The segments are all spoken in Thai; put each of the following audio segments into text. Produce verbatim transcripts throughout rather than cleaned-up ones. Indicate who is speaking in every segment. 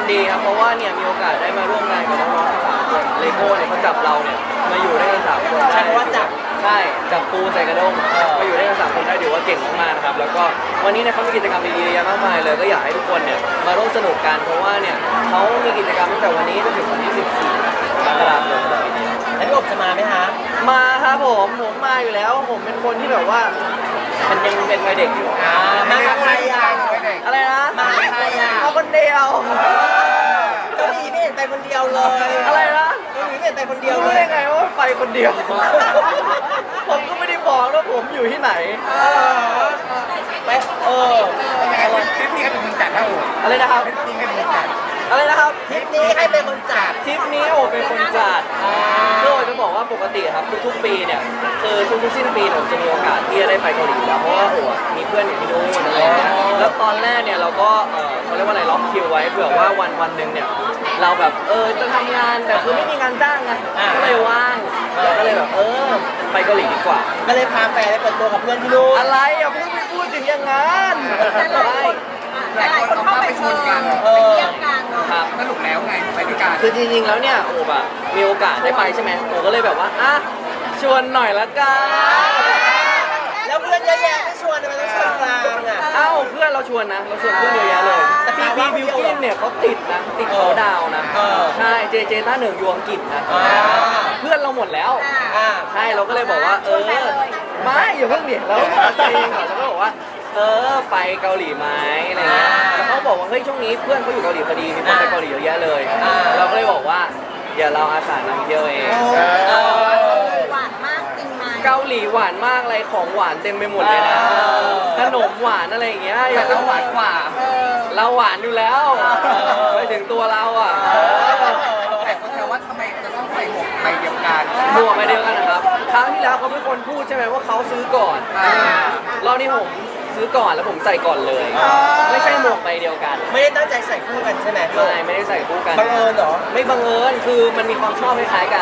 Speaker 1: ดีครับเพราะว่าเนี่ยมีโอกาสได้มาร่วมงานกับน้องๆทั้งสามคนเลโก้เนี่ยเขาจับเราเนี่ยมาอยู่ด้วยกันสามคนได้
Speaker 2: ใช่เพราะว่าจับ
Speaker 1: ใช่จับปูใส่กระด้งมาอยู่ด้วยกันสามคนได้ถือว่าเก่งมากๆนะครับแล้วก็วันนี้เนี่ยเขามีกิจกรรมดีๆเยอะมากมายเลยก็อยากให้ทุกคนเนี่ยมาร่วมสนุกกันเพราะว่าเนี่ยเขามีกิจกรรมตั้งแต่วันนี้จนถึงวันที่สิบสี่มกราคมปีนี้
Speaker 2: แล้วพี่อบจะมาไหมคะ
Speaker 1: มาครับผมผมมาอยู่แล้วผมเป็นคนที่แบบว่ามันยังเป็นวัยเด็กอยู่
Speaker 2: อ่ามากับใครอ่ะ
Speaker 1: อะไรนะ
Speaker 2: มากับใครอ่ะ
Speaker 1: มาคนเดียว
Speaker 2: เกาหลีไม่เห็นไปคนเดียวเลย
Speaker 1: อะไรนะ
Speaker 2: เกาหลีไม่เห็นไปคนเดียวเล
Speaker 1: รู้
Speaker 2: ย
Speaker 1: ได้ไงว่าไปคนเดียว ผมก็ไม่ได้บอกว่าผมอยู่ที่ไหน
Speaker 2: เออไปเออ
Speaker 3: คลิปนี้ก็เป็นคนจัดนะโอ้
Speaker 1: อะไรนะครับ
Speaker 3: คลิปนี้ก็เป็นคนจัด
Speaker 1: อะไรนะครับ
Speaker 2: ทริปนี้ให้เป็นคนจัด
Speaker 1: ทริปนี้โอ้เป็นคนจัดคือโอ้จะบอกว่าปกติครับทุกๆปีเนี่ยคือทุกๆสิ้นปีผมจะมีโอกาสที่จะได้ไปเกาหลีอยู่แล้วเพราะว่าโอ้มีเพื่อนอยู่ที่นู่นอะไรอย่างเงี้ยแล้วตอนแรกเนี่ยเราก็เออเขาเรียกว่าอะไรล็อกคิวไว้เผื่อว่าวันวันหนึ่งเนี่ยเราแบบเออจะทำงานแต่คือไม่มีงานจ้างไงก็เลยว่างเราก็เลยแบบเออไปเกาหลีดีกว่า
Speaker 2: ก็เลยพาแฟนไปเปิดตัวกับเพื่อนที่นู่น
Speaker 1: อะไรอย่าเพิ่งไปพูดถึงอย่างนั้นไม่
Speaker 3: หลายคนเข้าไปชวนกัน
Speaker 2: เออ
Speaker 1: ครับ
Speaker 3: สรุปแล้วไงไปด้วยกัน
Speaker 1: คือจริงๆ แล้วเนี่ยโอบอะมีโอกาสได้ไปใช่ไหมโอก็เลยแบบว่าอ่ะชวนหน่อยละกัน
Speaker 2: แล้วเพื่อนเยอะแยะไม่ชวนทำไมต้องชวนกลางอ่ะ
Speaker 1: เอ้าเพื่อนเราชวนนะเราชวนเพื่อนเยอะแยะเลยแต่พี่พี่บิวกิ้นเนี่ยเขาติดนะติดเขาดาวนะ
Speaker 2: เออ
Speaker 1: ใช่เจเจต้าเหนึ่งยวงกิจนะ
Speaker 2: อ่า
Speaker 1: เพื่อนเราหมดแล้ว
Speaker 2: อ่า
Speaker 1: ใช่เราก็เลยบอกว่าเออไม่อย่าเพิ่งดิเราจริงเราก็บอกว่าเออไปเกาหลีไหมอะไรเงี้ยแล้วเขาบอกว่าเฮ้ยช่วงนี้เพื่อนเขาอยู่เกาหลีพอดีมีคนไปเกาหลีเยอะแยะเลย เราก็เลยบอกว่าเดี๋ยวเราอาสานำเที่ยวเอง
Speaker 2: เออ
Speaker 4: หวานมากจริงไหม
Speaker 1: เกาหลีหวานมากอะไรของหวานเต็มไปหมดเลยนะ
Speaker 2: เออ
Speaker 1: ขนมหวานอะไรอย่างเงี้ยอ
Speaker 3: แต่
Speaker 1: ยาก
Speaker 3: เราหวานกว่า
Speaker 4: เออ
Speaker 1: เราหวานอยู่แล้วไปถึงตัวเราอ่ะ
Speaker 3: แต่คนแซวว่าทำไมจะต้องใส่หมวกใบเดียวกัน
Speaker 1: บวกไปเดียวกันนะครับครั้งที่แล้วเขาเป็นคนพูดใช่ไหมว่าเขาซื้อก่อน
Speaker 3: อ่าร
Speaker 1: อบนี้ผมซื้อก่อนแล้วผมใส่ก่อนเลย ไม่ใช่หมวกใบเดียวกัน
Speaker 2: ไม่ได้ตั้งใจใส่คู่กันใช่ไหม
Speaker 1: ไม่ไม่ได้ใส่คู่กัน
Speaker 2: บังเอิญเหรอ
Speaker 1: ไม่บังเอิญคือมันมีความชอบคล้ายๆกัน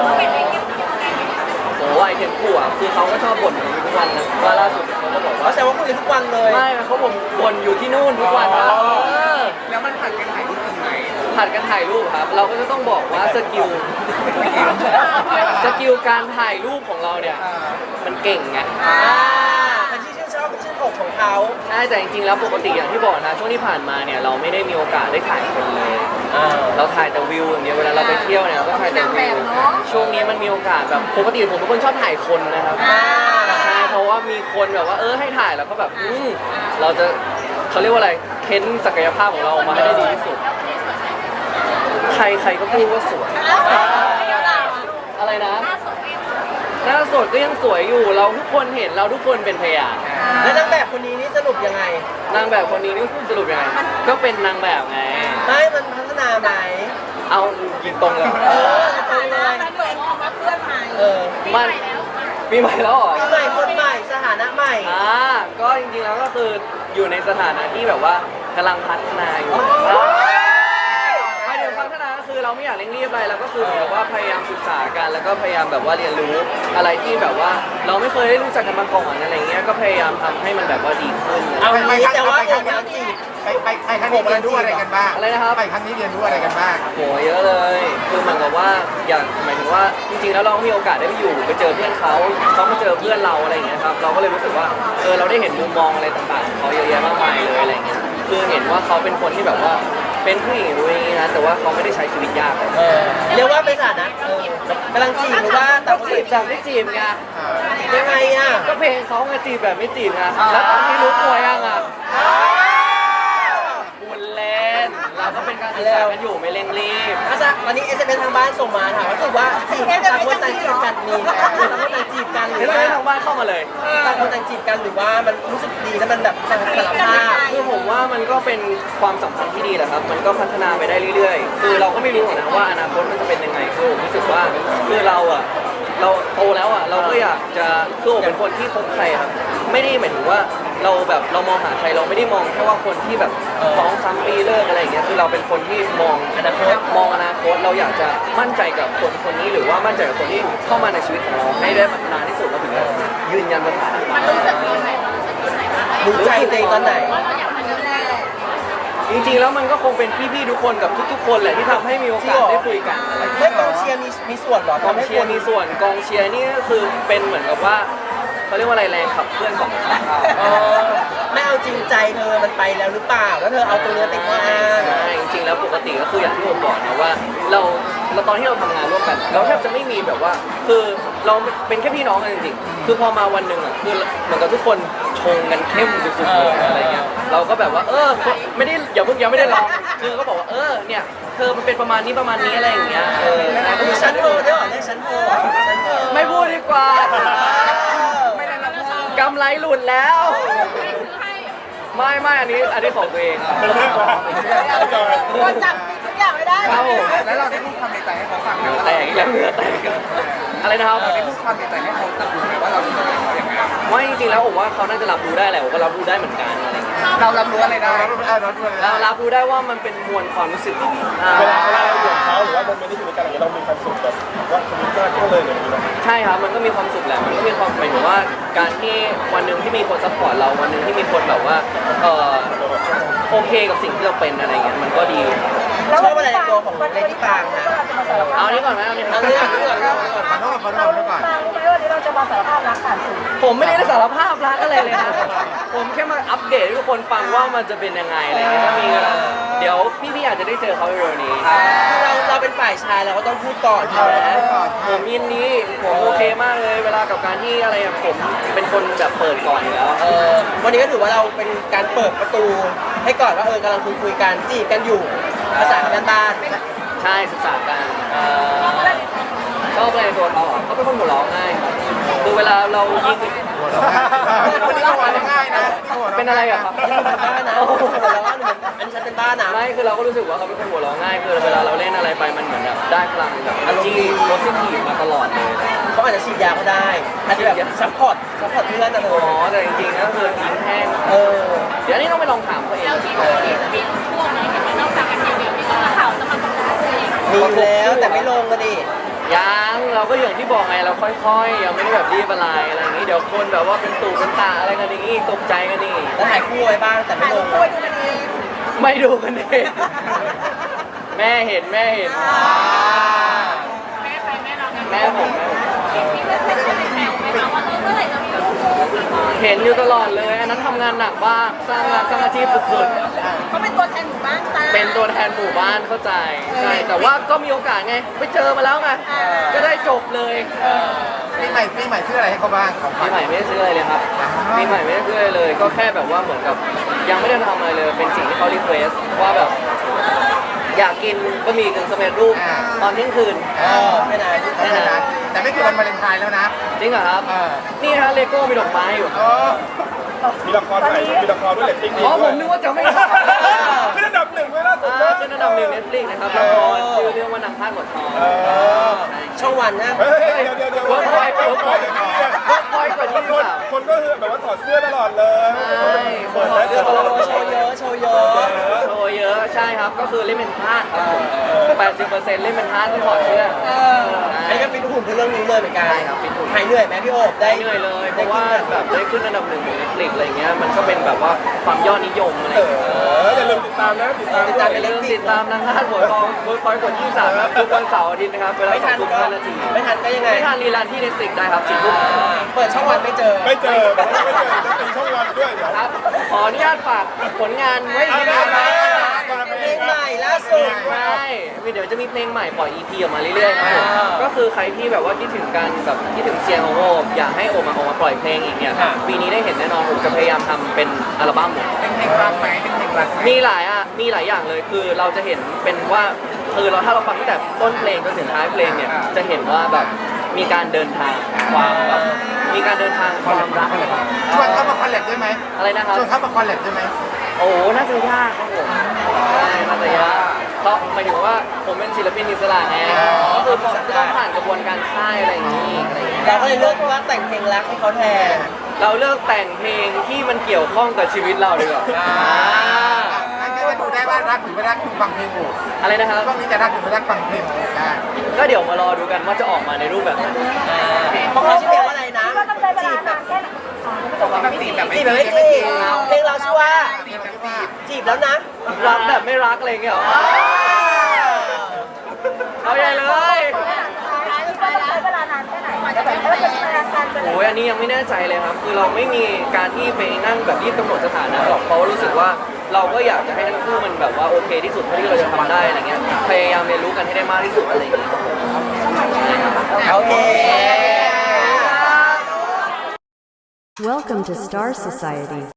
Speaker 1: โอ้ไอเทมคู่อ่ะคือเขาก็ชอบบ่นอยู่ทุกวันนะว่าล่าสุดเขาก็บอก
Speaker 2: เขา
Speaker 1: ว่า
Speaker 2: แซวว่าคุยกันทุกวันเลย
Speaker 1: ไม่เขาบ่นบ่นอยู่ที่นู่นทุกวันนะ
Speaker 2: อ๋อ
Speaker 1: เออ
Speaker 3: แล้วมันผัดกันถ่ายรูปจริงไหม
Speaker 1: ผัดกันถ่ายรูปครับ เราก็จะต้องบอกว่าสกิลสกิลการถ่ายรูปของเราเนี่ย
Speaker 3: อ่า
Speaker 1: มันเก่งไง
Speaker 2: อ่าเป็นที่ชื่นชอบเป็นชื่นอกของเขา
Speaker 1: ใช่แต่จริงๆแล้วปกติอย่างที่บอกนะช่วงที่ผ่านมาเนี่ยเราไม่ได้มีโอกาสได้ถ่ายคนเลย
Speaker 2: อ่า
Speaker 1: เราถ่ายแต่วิวอย่างเดียวเวลาเราไปเที่ยวเนี่ยเราก็ถ่ายแต่วิวช่วงนี้มันมีโอกาสแบบปกติผมเป็นคนชอบถ่ายคนนะครับ
Speaker 2: อ่า
Speaker 1: ใช่เพราะว่ามีคนแบบว่าเออให้ถ่ายแล้วก็แบบอืมเราจะเขาเรียกว่าอะไรเค้นศักยภาพของเราออกมาให้ได้ดีที่สุด ใครใครก็พูดว่าสวย อะไรนะ หน้าสดก็ยังสวยอยู่ เราทุกคนเห็นเราทุกคนเป็นพยาน
Speaker 2: แล้วนางแบบคนนี้นี่สรุปยังไง
Speaker 1: นางแบบคนนี้นี่สรุปยังไง ก็เป็นนางแบบไง
Speaker 2: ไม่มันพัฒนาไหม
Speaker 1: เอายิงตรงเลย
Speaker 2: เออตรงเลย
Speaker 4: มันเหมือนคำว่าเพื่อนใหม่
Speaker 2: เออ
Speaker 1: มันปีใหม่แล้วเหรอ
Speaker 2: ปีใหม่คนใหม่สถานะใหม่
Speaker 1: อ่าก็จริงๆแล้วก็คืออยู่ในสถานะที่แบบว่ากำลังพัฒนาอยู่หมายถึงพัฒนาก็คือเราไม่อยากเร่งรีบอะไรแล้วก็คือเหมือนกับว่าพยายามศึกษากันแล้วก็พยายามแบบว่าเรียนรู้อะไรที่แบบว่าเราไม่เคยได้รู้จักกันมาก่อนอะไรเงี้ยก็พยายามทำให้มันแบบว่าดีขึ้น
Speaker 2: เอา
Speaker 3: ไป
Speaker 2: งี้แต่ว่า
Speaker 3: ไป
Speaker 2: โอ
Speaker 3: ครั้ง
Speaker 2: กำ
Speaker 3: นี้
Speaker 2: ลังจีบ
Speaker 3: ไปไปไปครั้งนี้เรียนรู้อะไรกันบ้าง
Speaker 1: อะไรนะครับ
Speaker 3: ไปครั้งนี้เรียนรู้อะไรกันบ้าง
Speaker 1: โหเยอะเลย คือเหมือนกับว่าอย่างหมายถึงว่าจริงๆแล้วเรามีโอกาสได้ไปอยู่ไปเจอเพื่อนเขาเขามาเจอเพื่อนเราอะไรอย่างเงี้ยครับเราก็เลยรู้สึกว่าเออเราได้เห็นมุมมองอะไรต่างๆของเขาเยอะแยะมากมายเลยอะไรเงี้ยคือเห็นว่าเขาเป็นคนที่แบบว่าเป็นผู้หญิงด้วยนะแต่ว่าเขาไม่ได้ใช้ชีวิตยากเลย
Speaker 2: เออเรียกว่าเป็นสถานะเออกำลังจีบหรือว่าแต่
Speaker 1: แต่
Speaker 2: ว่า
Speaker 1: จีบจากไม่จีบไง
Speaker 2: ยังไงอ่ะ
Speaker 1: ก็เพลงเขาไงจีบแบบไม่จีบไงแล้วตอนที่รู้ตัวยังอ่ะบุญเล่นเราก็เป็นการศึกษากันอยู่ไม่เร่งรีบ
Speaker 2: อาจารย์วันนี้เอสเอ็มเอทางบ้านส่งมาถามว่ารู้สึกว่าจีบต่างคนต่างจีบกันมีต่างคนต่างจีบกันห
Speaker 1: เห็
Speaker 2: รื
Speaker 1: น
Speaker 2: อ
Speaker 1: ไหม
Speaker 2: ว่า
Speaker 1: ทางบ้านเข้ามาเลย
Speaker 2: ต่างคนต่างจีบกันหรือว่ามันรู้สึกดีแล้วมันแบบสารภาพ
Speaker 1: คือผมว่ามันก็เป็นความสัมพันธ์ที่ดีแหละครับ มันก็พัฒนาไปได้เรื่อยๆ คือเราก็ไม่รู้หรอกนะว่าอนาคตมันจะเป็นยังไงคือผมรู้สึกว่าคือเราอ่ะเราโตแล้วอ่ะเราก็อยากจะคือผมเป็นคนที่คบใครครับไม่ได้หมายถึงว่าเราแบบเรามองหาใครเราไม่ได้มองแค่ว่าคนที่แบบสองสามปีเลิกอะไรอย่างเงี้ยคือเราเป็นคนที่มองอนาคตมองอนาคตเราอยากจะมั่นใจกับคนคนนี้หรือว่ามั่นใจกับคนที่เข้ามาในชีวิตของเราให้ได้นานที่สุดเราถึงจะยืนยันสถานะ
Speaker 4: มันรู้สึกยังไง
Speaker 2: รู้ใจตัวเองตอนไหน
Speaker 4: ว่าเราอยากมาดูแล
Speaker 1: จจริงๆแล้วมันก็คงเป็นพี่ๆทุกคนกับทุกๆคนแหละที่ทำให้มีโอกาสได้คุยกันอะไรอย่างเงี้ย
Speaker 2: ไม่กองเชียร์มีมีส่วนเหรอก
Speaker 1: องเชียร์มีส่วนกองเชียร์นี่ก็คือเป็นเหมือนกับว่าเขาเรียกว่าอะไรแรงขับเคลื่อนของเขา
Speaker 2: เออไม่เอาจริงใจเธอมันไปแล้วหรือเปล่าแล้วเธอเอาตัวเนื้อติดข้ออ้าง
Speaker 1: ใช่จริงๆแล้วปกติก็คืออย่างที่ผมบอกนะว่าเราเราตอนที่เราทำงานร่วมกัน เราแทบจะไม่มีแบบว่า คือเราเป็นแค่พี่น้องกันจริงๆคือพอมาวันหนึ่งอ่ะคือเหมือนกับทุกคนชงกันเข้มสุดๆเลยอะไรเงี้ยเราก็แบบว่าเออไม่ได้อย่าเพิ่งยังไม่ได้ลองคือก็บอกว่าเออเนี่ยเธอมันเป็นประมาณนี้ประมาณนี้อะไรอย่างเงี้ยเออ
Speaker 2: มีชั้นโทรด้วยเหรอเรียกชั้นโทรเหรอชั้นโทร
Speaker 1: ไม่พูดดีกว่า
Speaker 2: ไม่ได้รับโทร
Speaker 1: กำไรหลุดแล้ว ไม่ไม่อันนี้อันนี้ของตัวเอง
Speaker 4: ตัวจับทุกอย่างไม่ได้
Speaker 1: ครับผม
Speaker 3: แล้วเราได้พูดความในใจให้เขาฟังไหม
Speaker 1: เหงื่อ
Speaker 3: ว่า
Speaker 1: แตกอีกแล้วเหงื่อแตกอะไรนะครับ
Speaker 3: เราได้พูดความในใจให้เขาตัดรู้ไหมว่าเรารู้สึกเขาอย่างไร
Speaker 1: ไม่จริงๆแล้วผมว่าเขาน่าจะรับรู้ได้แหละผมก็รับรู้ได้เหมือนกันอะไรอย่างเงี้ย
Speaker 3: เรารับรู้อะไรได้
Speaker 1: เรารับรู้ได้ว่ามันเป็นมวลความรู้สึกดีๆอ่า
Speaker 5: เวลาเวลาเราอยู่กับเขาหรือว่าโมเมนต์ที่อยู่ด้วยกันอย่างเงี้ยเรามีความสุขแบบว่าชีวิตมากขึ้นเลยอย่างนี้นะ
Speaker 1: ใช่ครับมันก็มีความสุขแหละมันก็มีความหมายถึงว่าการที่วันหนึ่งที่มีคนซัพพอร์ตเราวันหนึ่งที่มีคนแบบว่าเออโอเคกับสิ่งที่เราเป็นอะไรเงี้ยมันก็ดี
Speaker 2: ชอบอะไรในตัวของเลดี้ปางนะ
Speaker 1: เอาอันนี้ก่อนไหมเอาอันนี้
Speaker 2: เอาเรื่องนี้ก่อนเรื่องนี้ก่อน
Speaker 5: ขอโทษขอโทษขอโทษก่อน
Speaker 4: รู้ไหมวันนี้เราจะมาสารภาพรักผ่านสื่อ
Speaker 1: ผมไม่ได้สารภาพรักอะไรเลยนะผมแค่มาอัปเดตให้ทุกคนฟังว่ามันจะเป็นยังไงอะไรเงี้ยถ้ามีเวลาเดี๋ยวพี่ๆอาจจะได้เจอเขาเร็วๆนี้
Speaker 2: คือเราเราเป็นฝ่ายชายเราก็ต้องพูดก่อนใช่ไหม
Speaker 1: ผมยินดีผมโอเคมากเลยเวลากับการที่อะไรอะผมเป็นคนแบบเปิดก่อนอยู่แล้ว
Speaker 2: เออวันนี้ก็ถือว่าเราเป็นการเปิดประตู ให้ก่อนว่าเออกำลังคุยคุยๆกันจีบกันอยู่ภาษาบ้าน
Speaker 1: ใช่ศึกษากันเอ่อชอบอะไรในตัวเขาอ่ะเขาเป็นคนหัวเราะง่ายครับคือเวลาเรายิง
Speaker 5: วันนี้ก็วันง่ายนะ
Speaker 1: เป็นอะไรอะครับ
Speaker 2: ๆเป็นบ้านนะหัวเราะเหมือนอันนี้ฉันเป็นบ้านนะ
Speaker 1: ไม่คือเราก็รู้สึกว่าเขาเป็นคนหัวเราะง่ายคือเวลาเราเล่นอะไรไปมันเหมือนแบบได้พลังแบบอารมณ์ดีโพสิทีฟมาตลอดเลย
Speaker 2: เขาอาจจะฉีดยาก็ได้อาจจะแบบซัพพอร์ตซัพพอร์ตเพื่อนนะเธ
Speaker 1: อ๋อ
Speaker 2: อ
Speaker 1: แต่จริงๆก็คือทิ้งแห้ง
Speaker 2: เออ
Speaker 1: เดี๋ยวนี้ต้องไปลองถามเขาเอง
Speaker 4: เราที่มีมีพวกนี้นอกจากกันทีวีที่ก็ข่าวจะมาประกาศตัวเอง
Speaker 2: มีแล้วแต่ไม่ลงก็ดิ
Speaker 1: ยังเราก็อย่างที่บอกไงเราค่อยๆยังไม่ได้แบบรีบอะไรอะไรอย่างนี้เดี๋ยวคนแบบว่าเป็นตู่เป็นตาอะไรกันอย่างนี้ตกใจกันนี่
Speaker 2: แล้วถ่ายคู่ไว้บ้างแต่ไม่
Speaker 4: ถ่าย
Speaker 2: ล
Speaker 4: รู
Speaker 2: ง
Speaker 4: ปคู่ดูกันเอง
Speaker 1: ไม่ดูกันเองแม่เห็นแม่เห็น
Speaker 4: แม่ไปแม่เรากัน
Speaker 1: แม่ผมแม่ผม
Speaker 4: พี่เพื่อนเพื่อนจะไปแซวไหมคะว่าเออเมื่อไหร่จะมีลูกคู่พี่บอย
Speaker 1: เห็นอยู่ตลอดเลย อันนั้นทำงานหนักมากสร้างงานสร้างอาชีพสุด
Speaker 4: เขาเป็นตัวแทนหมู่บ้านตา
Speaker 1: ๆ เป็นตัวแทนหมู่บ้านเข้าใจ ใช่ แต่ว่าก็มีโอกาสไง ไปเจอมาแล้วไง ก็ได้จบเลย
Speaker 5: ปีใหม่ปีใหม่ซื้ออะไรให้เขาบ้างของข
Speaker 1: ปี
Speaker 5: วัญ
Speaker 1: ใหม่ไม่ได้ซื้ออะไรเลยครับปีใหม่ไม่ได้ซื้ออะไรเลย ก็แค่แบบว่าเหมือนกับยังไม่ได้ทำอะไรเลย เป็นสิ่งที่เขารีเควสว่าแบบ อยากกินบะหมี่กึ่งสำเร็จรูปตอนเที่ยงคืน
Speaker 2: เออแค่นั้น
Speaker 5: แค่นั้นแต่ไม่คือวันวาเลนไทน์แล้วนะ
Speaker 1: จริงเหรอครับ
Speaker 5: เออ
Speaker 1: นี่ฮะเลโก้มีดอกไม้อยู่
Speaker 5: เออมีละครใหม่มีละครด้วยเลตติ้งดี
Speaker 1: อ๋อผ
Speaker 5: ด้วย
Speaker 1: มนึกว่าจะไม่ทำ
Speaker 5: ขึ้นอันดับหนึ่งไว้ล่าสุด
Speaker 1: อ่า
Speaker 5: นะ
Speaker 1: ขึ้นอันดับหนึ่งเน็ตฟลิกนะครับละครชื่อเรื่องว่านางพาดหัวทอง
Speaker 5: เออ
Speaker 2: ช่องวันนะ
Speaker 5: เฮ้ยเดี๋ยวเดี๋ยวเดี๋ยว
Speaker 1: เวิร์กพอยต์เวิร์กพอยต์ เวิร์กพอยต์กว่ายี่สิบ
Speaker 5: คน
Speaker 1: สาม
Speaker 5: คนก็คือแบบว่าถอดเสื้อตลอดเลย
Speaker 1: ใช่
Speaker 5: เปิดแล้ว
Speaker 1: ถอดเสื้อตลอด
Speaker 2: โชว์เยอะโชว์เยอะ
Speaker 1: โชว์เยอะใช่ครับก็คือเล่นเป็นพาดครับผมแปดสิบเปอร์เซ็นต์เล่นเป็นพาดที่ถอดเสื้อ
Speaker 2: เอออันนี้ก็ฟิตหุ่นเพื่อเรื่องนี้เลยเหมือนกัน
Speaker 1: ใช่ครับฟิตหุ่น
Speaker 2: หายเหนื่อยไหมพี่โอ๊บได้
Speaker 1: ได้เหนื่อยเลยเพราะว่าแบบได้ขึ้นอันดับหนึ่งของเน็ตฟลิกอะไรเงี้ยมันก็เป็นแบบว่าความยอดนิยมอะไร
Speaker 5: เอ
Speaker 1: เงี้ย
Speaker 5: ออย่าลืมติดตามนะติดตาม
Speaker 2: ติด
Speaker 5: ด้
Speaker 2: ตาม
Speaker 5: วย
Speaker 2: ไป
Speaker 1: อย่าลืมติดตามนางพาดหัวทองเวิร์กพอยต์กว่ายี่สิบสามครับทุกวันเสาร์อาทิตย์นะครับเวลา
Speaker 2: ไม่
Speaker 1: สอ
Speaker 2: ทั
Speaker 1: ง
Speaker 2: น
Speaker 1: ทุ่ม
Speaker 2: ก็
Speaker 1: ห้านาที
Speaker 2: ไม่ทันก็ยังไง
Speaker 1: ไม่ทันรีลันที่เน็ตฟลิกได้ครับสี่ทุ่ม
Speaker 2: เปิดช่องวันไม่เจอ
Speaker 5: ไม่เจอไม่เจอจะตีช่องวันด้วยเดี๋ยว
Speaker 1: ครับขออนุญาตฝากผลงานไว้
Speaker 5: เอา
Speaker 1: ที่
Speaker 5: ไป
Speaker 1: นี่
Speaker 5: เอา
Speaker 1: นะ
Speaker 5: ไปเอาไป
Speaker 2: เพลงใหม่ล่าสุด
Speaker 1: ใช่เดี๋ยวจะมีเพลงใหม่ปล่อย อี พี ออกมาเรื่อยๆครับผม
Speaker 2: อ่า
Speaker 1: ก็คือใครที่แบบว่าคิดถึงกันแบบคิดถึงเซียงของโอมอยากให้โอมมาออกมาปล่อยเพลงอีกเนี่ย
Speaker 2: ค่ะ
Speaker 1: ปีนี้ได้เห็นแน่นอนผมจะพยายามทำเป็นอัลบั้มเลย
Speaker 3: เป็นเพลงรักไหมเป็นเพลงรักไหม
Speaker 1: มีหลายอ่ะมีหลายอย่างเลยคือเราจะเห็นเป็นว่าคือเราถ้าเราฟังตั้งแต่ต้นเพลงจนถึงท้ายเพลงเนี่ยจะเห็นว่าแบบมีการเดินทางความแบบมีการเดินทางความรัก
Speaker 5: ชวนเข้ามาคอลแลบได้ไหม
Speaker 1: อะไรนะครับ
Speaker 5: ชวนเข้ามาคอลแลบได้ไหม
Speaker 1: โอ้น่าจะยากครับผมใช่น่าจะยากเพราะหมายถึงว่าผมเป็นศิลปินอิสระไงก็คือผมจะต้องผ่านกระบวนการค่ายอะไรอย่างนี้อะไรอย่างนี้
Speaker 2: เราก็เลยเลือกว่าแต่งเพลงรักให้เขาแทน
Speaker 1: เราเลือกแต่งเพลงที่มันเกี่ยวข้องกับชีวิตเราดีกว่า
Speaker 2: อ่า
Speaker 5: งั้นก็จะดูได้ว่ารักหรือไม่รักฟังเพลงโอ้
Speaker 1: อะไรนะครับ
Speaker 5: ช่วงนี้จะรักหรือไม่รักฟังเพลงโอ้ได้
Speaker 1: ก็เดี๋ยวมารอดูกันว่าจะออกมาในรูปแบบไหน
Speaker 2: เพราะเขาชื่อเพลงว่าอะไรนะ
Speaker 4: คิดว่าต้องใช้เวลานานแค่ไหนอ๋อไม่ต้อง
Speaker 3: แบบจีบแบบไม่
Speaker 2: จีบ
Speaker 3: จี
Speaker 2: แบบ
Speaker 3: บ
Speaker 2: ไม่จีบเพลงเราชื่อว่า
Speaker 3: จีบแบบจีบ
Speaker 2: จีบแล้วนะ
Speaker 1: จรักแบบไม่รักอะไรเงี้ยเหรอเอาใหญ่เลย
Speaker 4: เวลานานแค่ไหนกว่าจะเป็นแฟน
Speaker 1: โอ้ยอันนี้ยังไม่แน่ใจเลยครับ คือเราไม่มีการที่ไปนั่งแบบรีบกำหนดสถานะหรอกเพราะว่ารู้สึกว่าเราก็อยากจะให้ทั้งคู่มันแบบว่าโอเคที่สุดเท่าที่เราจะทำได้อะไรเงี้ยพยายามเรียนรู้กันให้ได้มากที่สุดอะไรอย่างเงี้ย
Speaker 2: โอเค
Speaker 6: Welcome to Star Society.